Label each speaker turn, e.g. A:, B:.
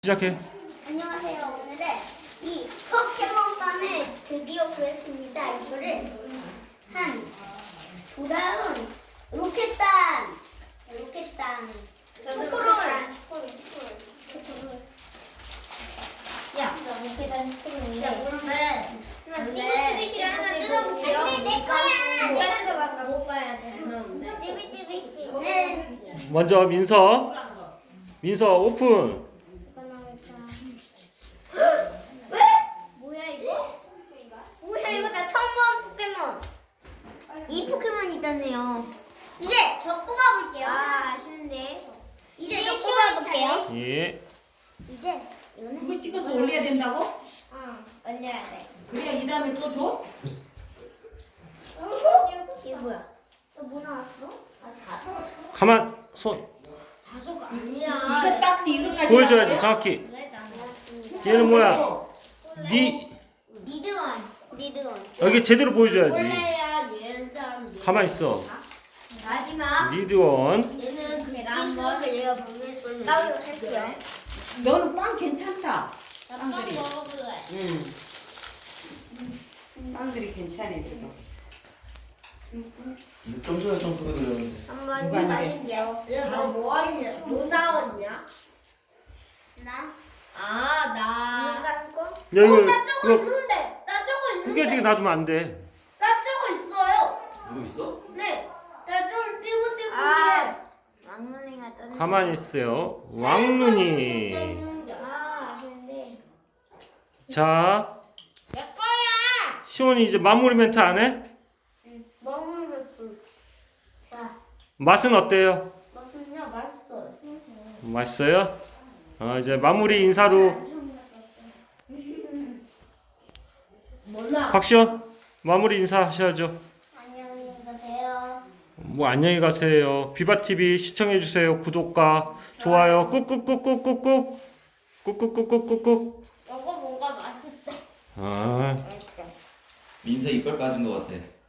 A: 시작해.
B: 안녕하세요. 오늘은 이 포켓몬빵을 드디어 구했습니다. 이거를 돌아온 로켓단. 초코롤. 야, 로켓단 초코롤인데. 야, 그러면 띠비띠비씨를 하나 뜯어볼게요. 근데 내 거야. 내가 뜯어봐. 못 봐야 돼. 띠비띠비씨를.
A: 먼저 민서 오픈.
B: 뭐야 이거 나 처음 본 포켓몬. 이 포켓몬 있다네요. 이제 저 뽑아볼게요. 아쉬운데. 이제 저 뽑아볼게요.
A: 예.
B: 이제 이거는
C: 그걸 찍어서 올려야 된다고?
B: 올려야 돼.
C: 그래야 이 다음에 또 줘?
B: 이게 뭐야? 또 뭐 나왔어? 자석.
A: 가만 손
B: 자석
C: 이거 딱 이거까지
A: 보여줘야지
C: 나와요?
A: 정확히.
B: 그래 나왔습니다.
A: 얘는 뭐야?
B: 니드원.
A: 여기 제대로 보여줘야지.
B: 원래야 유연성.
A: 가만 있어.
B: 마지막.
A: 리드원.
B: 얘는 제가 한번 흘려보겠습니다. 나도 할게요.
C: 너는 빵 괜찮다.
B: 나빵
C: 빵들이.
B: 먹어볼래.
C: 빵들이 괜찮아 그래도.
A: 점수가 점수가 들어.
B: 한번
C: 누가
B: 마실게요. 너뭐 하냐? 뭐 나왔냐? 나? 나.
A: 야 이거
B: 나 저거
A: 이거
B: 있는데. 나 저거 있는데.
A: 그게 지금 놔두면 안 돼.
B: 나 저거 있어요.
D: 누구 있어?
B: 네. 나 저거 띠부띠부해. 왕눈이가 떴네.
A: 가만히 있어요. 왕눈이.
B: 근데
A: 자,
B: 내 거야.
A: 시원이 이제 마무리 멘트 안 해?
B: 먹으면 자,
A: 맛은 어때요?
B: 맛은요 맛있어요.
A: 맛있어요? 이제 마무리 인사로
B: 몰라.
A: 박시원 마무리 인사 하셔야죠.
B: 안녕히 가세요.
A: 뭐 안녕히 가세요. 비바TV 시청해주세요. 구독과 좋아요 꾹꾹꾹꾹꾹꾹 꾹꾹꾹꾹꾹꾹.
B: 이거 뭔가 맛있다.
A: 아.
D: 민서 이빨 빠진 것 같아.